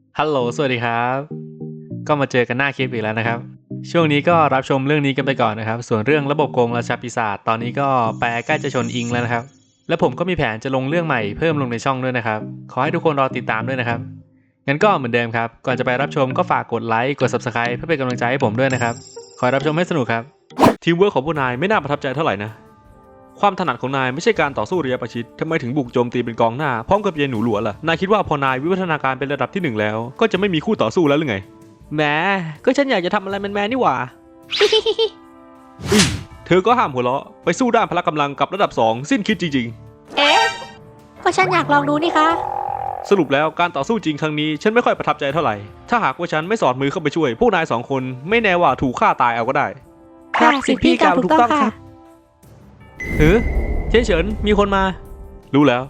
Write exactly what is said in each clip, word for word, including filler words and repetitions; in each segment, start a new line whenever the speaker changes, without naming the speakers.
ฮัลโหลสวัสดีครับก็มาเจอกันหน้าคลิปอีกแล้วนะครับช่วงนี้ก็รับชมเรื่องนี้กันไปก่อนนะครับส่วนเรื่องระบบโกงราชาปีศาจตอนนี้ก็แปลใกล้จะชนอิงแล้วนะครับและผมก็มีแผนจะลงเรื่องใหม่เพิ่มลงในช่องด้วยนะครับขอให้ทุกคนรอติดตามด้วยนะครับงั้นก็เหมือนเดิมครับก่อนจะไปรับชมก็ฝากกดไลค์กด ซับสไครบ์ เพื่อเป็นกำลังใจให้ผมด้วยนะครับขอให้รับชมให้สนุกครับทีมเวิร์คของพวกนายไม่น่าประทับใจเท่าไหร่นะความถนัดของนายไม่ใช่การต่อสู้ระยะประชิดทำไมถึงบุกโจมตีเป็นกองหน้าพร้อมกับเยนหนูหลัวล่ะนายคิดว่าพอนายวิวัฒนาการเป็นระดับที่หนึ่งแล้วก็จะไม่มีคู่ต่อสู้แล้วหรือไงแหมก็ฉันอยากจะทำอะไรแมนๆนี่หว่า อืมเธอก็ห้ามหัวเราะไปสู้ด้านพละกำลังกับระดับสองสิ้นคิดจริง
เอ๊ะก็ฉันอยากลองดูนี่คะ
ๆ สรุปแล้วการต่อสู้จริงครั้งนี้ฉันไม่ค่อยประทับใจเท่าไหร่ถ้าหากว่าฉันไม่สอดมือเข้าไปช่วยพวกนายสองคนไม่แน่ว่าถูกฆ่าตายเอาก็ได้
ค่ะสิทธิพี่กล่าวถูกต้องค่ะ
เฮ้ยเฉินเฉินมีคนมา รู้แล้ว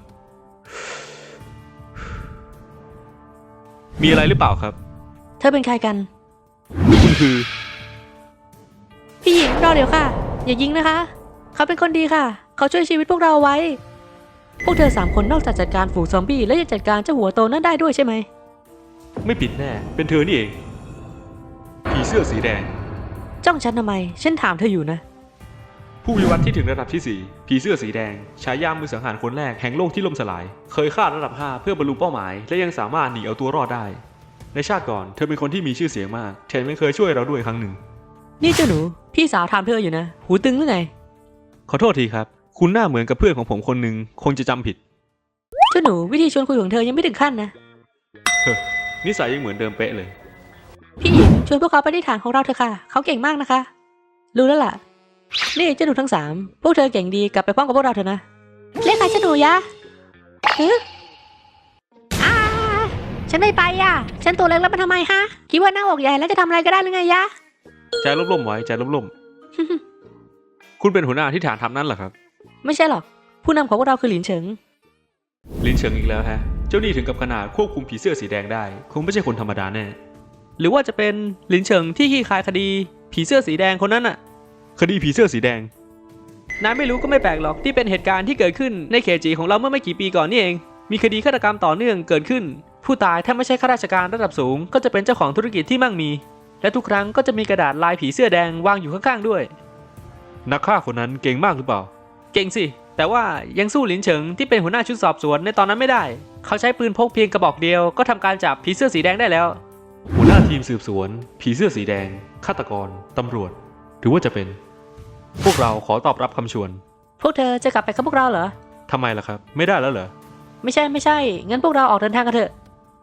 มีอะไรหรือเปล่าครับ
เธอเป็นใครกัน
คุณคือ
พี่หญิงรอเดี๋ยวค่ะ อย่ายิงนะคะ เขาเป็นคนดีค่ะ เขาช่วยชีวิตพวกเราไว้ พวกเธอสามคนนอกจากจัดการฝูงซอมบี้และยังจัดการเจ้าหัวโตนั่นได้ด้วยใช่ไหม
ไม่ผิดแน่เป็นเธอนี่เองผีเสื้อสีแดง
จ้องฉันทำไม ฉันถามเธออยู่นะ
ผู้วิวัฒน์ที่ถึงระดับที่สี่ผีเสื้อสีแดงฉายามือสังหารคนแรกแห่งโลกที่ล่มสลาย เคยฆ่าระดับห้าเพื่อบรรลุเป้าหมายและยังสามารถหนีเอาตัวรอดได้ในชาติก่อนเธอเป็นคนที่มีชื่อเสียงมากแถมยังเคยช่วยเราด้วยครั้งหนึ่ง
นี่เจ้าหนู พี่สาวถามเธออยู่นะ หูตึงหรือไง
ขอโทษทีครับคุณหน้าเหมือนกับเพื่อนของผมคนหนึ่งคงจะจำผิด
เจ้าหนูวิธีชวนคุยของเธอยังไม่ถึงขั้นนะ
เฮ้อนิสัยยังเหมือนเดิมเป๊ะเลย
พี่หญิงชวนพวกเขาไปที่ฐานของเราเถอะค่ะ เขาเก่งมากนะคะ รู้แล้วล่ะ นี่เจ้าหนูทั้งสามพวกเธอเก่งดีกลับไปพร้อมกับพวกเราเถอะนะเรียกใครเจ้าหนูยะฮึอ่าฉันไม่ไปอ่ะ ฉันตัวเล็กแล้วมันทำไมฮะ คิดว่าหน้าอกใหญ่แล้วจะทำอะไรก็ได้หรือไงยะ
ใจร่มๆไว้ใจร่มๆ คุณเป็นหัวหน้าที่ฐานทัพนั้นเหรอครับ
ไม่ใช่หรอก ผู้นำของพวกเราคือหลินเฉิง
ลินเฉิงอีกแล้วฮะเจ้านี่ถึงกับขนาดควบคุมผีเสื้อสีแดงได้คงไม่ใช่คนธรรมดาแน่หรือว่าจะเป็นลินเฉิงที่ขี้คายคดีผีเสื้อสีแดงคนนั้นอะคดีผีเสื้อสีแดงนายไม่รู้ก็ไม่แปลกหรอกที่เป็นเหตุการณ์ที่เกิดขึ้นในเขตจีของเราเมื่อไม่กี่ปีก่อนนี่เองมีคดีฆาตกรรมต่อเนื่องเกิดขึ้นผู้ตายถ้าไม่ใช่ข้าราชการระดับสูงก็จะเป็นเจ้าของธุรกิจที่มั่งมีและทุกครั้งก็จะมีกระดาษลายผีเสื้อแดงวางอยู่ข้างๆด้วยนักฆ่าคนนั้นเก่งมากหรือเปล่าเก่งสิแต่ว่ายังสู้หลินเฉิงที่เป็นหัวหน้าชุดสอบสวนในตอนนั้นไม่ได้เขาใช้ปืนพกเพียงกระบอกเดียวก็ทำการจับผีเสื้อสีแดงได้แล้วหัวหน้าทีมสืบสวนผีเสื้อสีแดงฆาตกรตำรวจหรือว่าจะเป็นพวกเราขอตอบรับคำชวน
พวกเธอจะกลับไปกับพวกเราเหรอ
ทำไมล่ะครับไม่ได้แล้วเหรอ
ไม่ใช่ไม่ใช่ งั้นพวกเราออกเดินทางกันเถอะ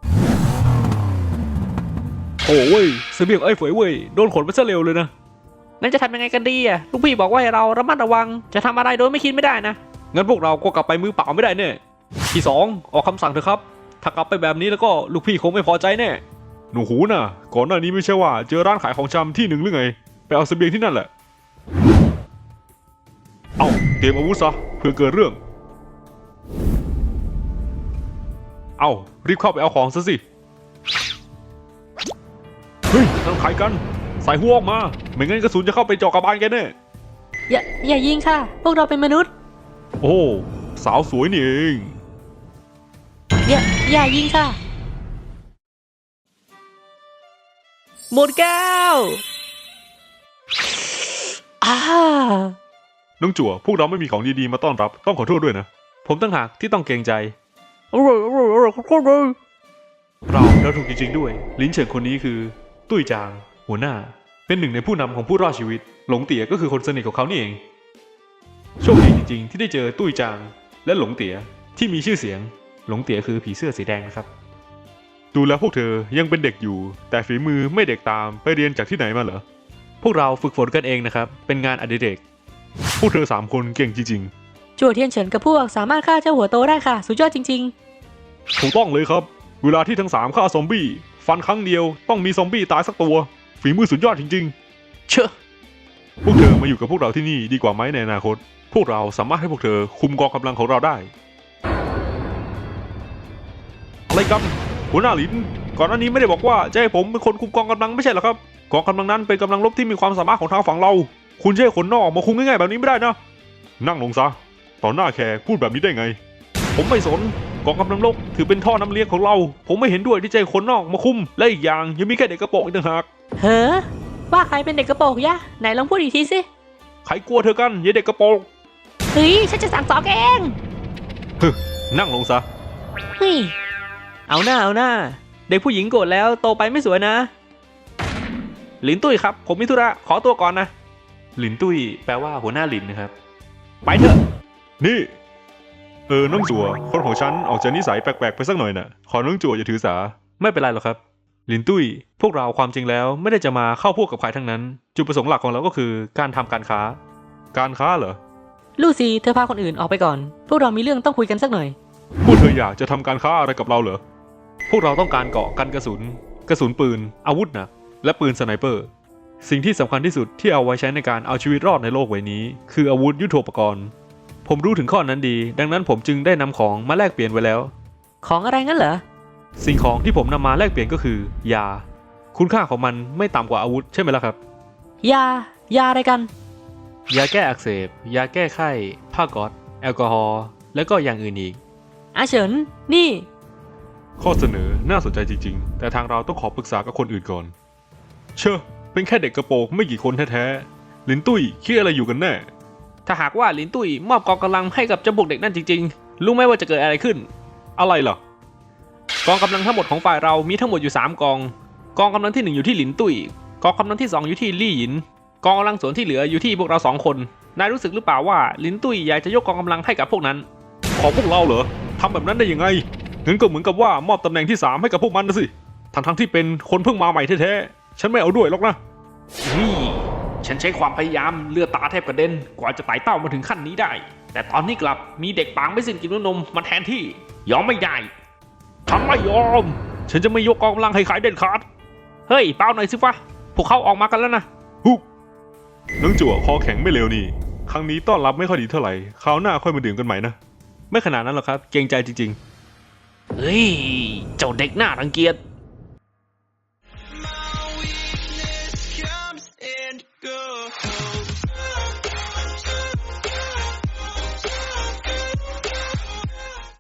โอ้เว้ยเสบียงไอ้ฝอยเว้ยโดนขนไปซะเร็วเลยนะ
งั้นจะทำยังไงกันดีอ่ะ ลูกพี่บอกว่าให้เราระมัดระวัง จะทำอะไรโดยไม่คิดไม่ได้นะ
งั้นพวกเราก็กลับไปมือเปล่าไม่ได้แน่ที่สองออกคำสั่งเถอะครับถ้ากลับไปแบบนี้แล้วก็ลูกพี่คงไม่พอใจแน่หนูหูน่ะก่อนหน้านี้ไม่ใช่ว่าเจอร้านขายของชำที่หนึ่งหรือไงไปเอาเสบียงที่นั่นแหละเอาเตรียมอาวุธซะเพื่อเกิดเรื่องเอารีบเข้าไปเอาของซะสิเฮ้ยนั่นใครกันใส่หัวออกมาไม่งั้นกระสุนจะเข้าไปเจาะกระบาลแกแน่
อย่าอย่ายิงค่ะ พวกเราเป็นมนุษย์
โอ้สาวสวยนี่เอง
อย่าอย่ายิงค่ะ หมดแก้วอ่า
น้องจั่วพวกเราไม่มีของดีๆมาต้อนรับต้องขอโทษด้วยนะผมตั้งหากที่ต้องเกรงใจ
อร่อยอร่อยอร่อยขอโทษเลย
เราเราถูกจริงๆด้วยลิ้นเฉิงคนนี้คือตุ้ยจางหัวหน้าเป็นหนึ่งในผู้นำของผู้รอดชีวิตหลงเตี๋ยก็คือคนสนิทของเขานี่เองโชคดีจริงๆที่ได้เจอตุ้ยจางและหลงเตี๋ยที่มีชื่อเสียงหลงเตี๋ยคือผีเสื้อสีแดงนะครับดูแล้วพวกเธอยังเป็นเด็กอยู่แต่ฝีมือไม่เด็กตามไปเรียนจากที่ไหนมาเหรอพวกเราฝึกฝนกันเองนะครับเป็นงานอดิเรกพวกเธอสามคนเก่งจริงๆ
จั่วเทียนเฉินกับพวกสามารถฆ่าเจ้าหัวโตได้ค่ะ สุดยอดจริง
ถูกต้องเลยครับเวลาที่ทั้งสามฆ่าซอมบี้ฟันครั้งเดียวต้องมีซอมบี้ตายสักตัวฝีมือสุดยอดจริงๆเชื่อพวกเธอมาอยู่กับพวกเราที่นี่ดีกว่าไหมในอนาคตพวกเราสามารถให้พวกเธอคุมกองกำลังของเราได้อะไรกันหัวหน้าหลินก่อนหน้านี้ไม่ได้บอกว่าจะให้ผมเป็นคนคุมกองกำลังไม่ใช่เหรอครับกองกำลังนั้นเป็นกำลังรบที่มีความสามารถของทางฝั่งเราคุณจะให้คนนอกมาคุมง่ายๆแบบนี้ไม่ได้นะนั่งลงซะต่อหน้าแขกพูดแบบนี้ได้ไงผมไม่สนกองกำลังรบถือเป็นท่อน้ำเลี้ยงของเราผมไม่เห็นด้วยที่จะให้คนนอกมาคุมและอีกอย่างยังมีแค่เด็กกระโปรงอีกต่างหาก
เฮ้อว่าใครเป็นเด็กกระโปรงยะไหนลองพูดอีกทีสิ
ใครกลัวเธอกันยายเด็กกระโปรง
เฮ้ยฉันจะสั่งสอนแกเอง
ฮึนั่งลงซะ
เฮ้ย
เอาหน้าเอาหน้าเด็กผู้หญิงโกรธแล้วโตไปไม่สวยนะหลินตุ้ยครับผมมีธุระขอตัวก่อนนะหลินตุ้ยแปลว่าหัวหน้าหลินนะครับไปเถอะนี่เออน้องจั่วคนของฉันออกจากนิสัยแปลกๆไปสักหน่อยน่ะขอน้องจั่วอย่าถือสาไม่เป็นไรหรอกครับหลินตุ้ยพวกเราความจริงแล้วไม่ได้จะมาเข้าพวกกับใครทั้งนั้นจุดประสงค์หลักของเราก็คือการทำการค้าการค้าเหรอ
ลูซี่เธอพาคนอื่นออกไปก่อนพวกเรามีเรื่องต้องคุยกันสักหน่อย
พวกเธออยากจะทำการค้าอะไรกับเราเหรอพวกเราต้องการเกราะกันกระสุนกระสุนปืนอาวุธหนักและปืนสไนเปอร์สิ่งที่สำคัญที่สุดที่เอาไว้ใช้ในการเอาชีวิตรอดในโลกใบนี้คืออาวุธยุทโธปกรณ์ผมรู้ถึงข้อนั้นดีดังนั้นผมจึงได้นำของมาแลกเปลี่ยนไว้แล้ว
ของอะไรงั้นเหรอ
สิ่งของที่ผมนำมาแลกเปลี่ยนก็คือยาคุณค่าของมันไม่ต่ำกว่าอาวุธใช่ไหมล่ะครับ
ยา ยาอะไรกัน
ยาแก้อักเสบยาแก้ไข้ผ้าก๊อซแอลกอฮอล์และก็อย่างอื่นอีก
อาเฉินนี่
ข้อเสนอน่าสนใจจริงๆแต่ทางเราต้องขอปรึกษากับคนอื่นก่อนเชื่อเป็นแค่เด็กกระโปรงไม่กี่คนแท้ๆลินตุ้ยคิดอะไรอยู่กันแน่ถ้าหากว่าลินตุ้ยมอบกองกำลังให้กับเจ้าพวกเด็กนั่นจริงๆรู้ไหมว่าจะเกิดอะไรขึ้นอะไรล่ะกองกำลังทั้งหมดของฝ่ายเรามีทั้งหมดอยู่สามกองกองกำลังที่หนึ่งอยู่ที่ลินตุ้ยกองกำลังที่สองอยู่ที่ลี่หยินกองกำลังส่วนที่เหลืออยู่ที่พวกเราสองคนนายรู้สึกหรือเปล่าว่าลินตุ้ยอยากจะยกกองกำลังให้กับพวกนั้นของพวกเราเหรอทำแบบนั้นได้ยังไงงั้นก็เหมือนกับว่ามอบตำแหน่งที่สามให้กับพวกมันนะสิทั้งทั้งที่เป็นคนเพิ่งมาใหม่แท้ๆฉันไม่เอาด้วยหรอกนะนี่ฉันใช้ความพยายามเลือดตาแทบกระเด็นกว่าจะไต่เต้ามาถึงขั้นนี้ได้แต่ตอนนี้กลับมีเด็กปางไม่สิ้นกินนมมาแทนที่ยอมไม่ได้ฉันไม่ยอมฉันจะไม่ยกกองกำลังให้ขายเด็ดขาดเฮ้ยเปล่าหน่อยสิฟะพวกเขาออกมากันแล้วนะฮุกน้องจั่วคอแข็งไม่เร็วนี่ครั้งนี้ต้อนรับไม่ค่อยดีเท่าไหร่คราวหน้าค่อยมาดื่มกันใหม่นะไม่ขนาดนั้นหรอกครับเกรงใจจริงๆเฮ้ยเจ้าเด็กหน้ารังเกียจ